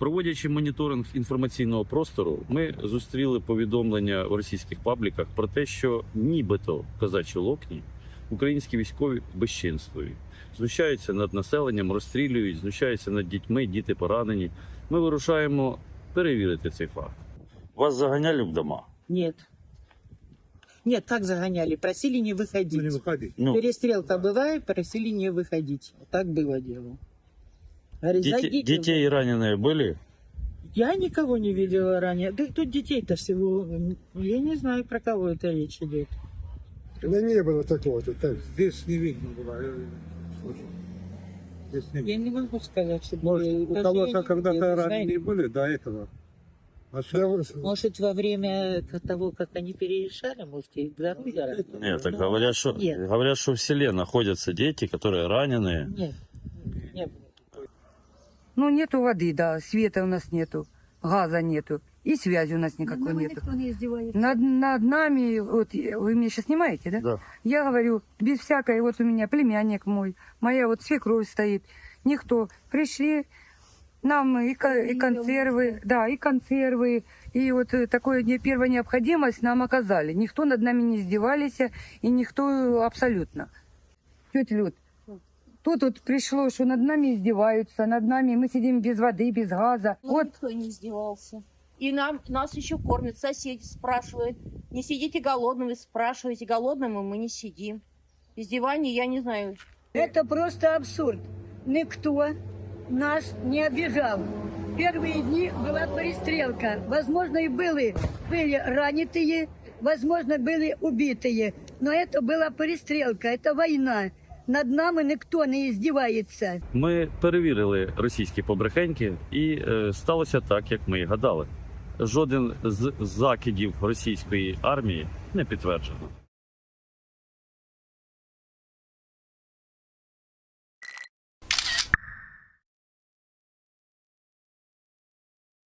Проводячи моніторинг інформаційного простору, ми зустріли повідомлення в російських пабліках про те, що нібито в Козачій Локні українські військові безчинствують, знущаються над населенням, розстрілюють, знущаються над дітьми, діти поранені. Ми вирушаємо перевірити цей факт. Вас заганяли в дома? Нет. Нет, как загоняли? Просили не выходить. Не выходить. Ну, Перестрелка бывает, просили не выходить. Так было дело. Говорит, зайдите. детей раненые были? Я никого не видела ранее. Да тут детей-то всего... Я не знаю, про кого это речь идет. Да не было такого. Так, здесь не видно было. Здесь не Я видно. не могу сказать, что... Может, у Даже я кого-то не когда-то видела, раненые были до этого. А сейчас... Может, во время того, как они перерешали, может, и здоровье ранили? Нет, так Ну, говорят, что в селе находятся дети, которые раненые. Нет, не было. Ну, нету воды, да, света у нас нету, газа нету, и связи у нас никакой нету. Никто не издевается. Над нами, вот вы меня сейчас снимаете, да? Да. Я говорю, без всякой, вот у меня племянник мой, моя вот свекровь стоит, никто. Пришли, нам и консервы, да, и консервы, и вот такое первая необходимость нам оказали. Никто над нами не издевались, и никто абсолютно. Тетя Люд, тут вот пришло, что над нами издеваются, над нами мы сидим без воды, без газа. Ну, Вот никто не издевался. И нас еще кормят, соседи спрашивают. Не сидите голодными, спрашиваете, голодными мы не сидим. Издевание, я не знаю. Это просто абсурд. Никто нас не обижал. Первые дни была перестрелка. Возможно, и были раненые, возможно, были убитые. Но это была перестрелка, это война. Над нами ніхто не издевается. Ми перевірили російські побрехеньки і сталося так, як ми і гадали. Жоден з закидів російської армії не підтверджено.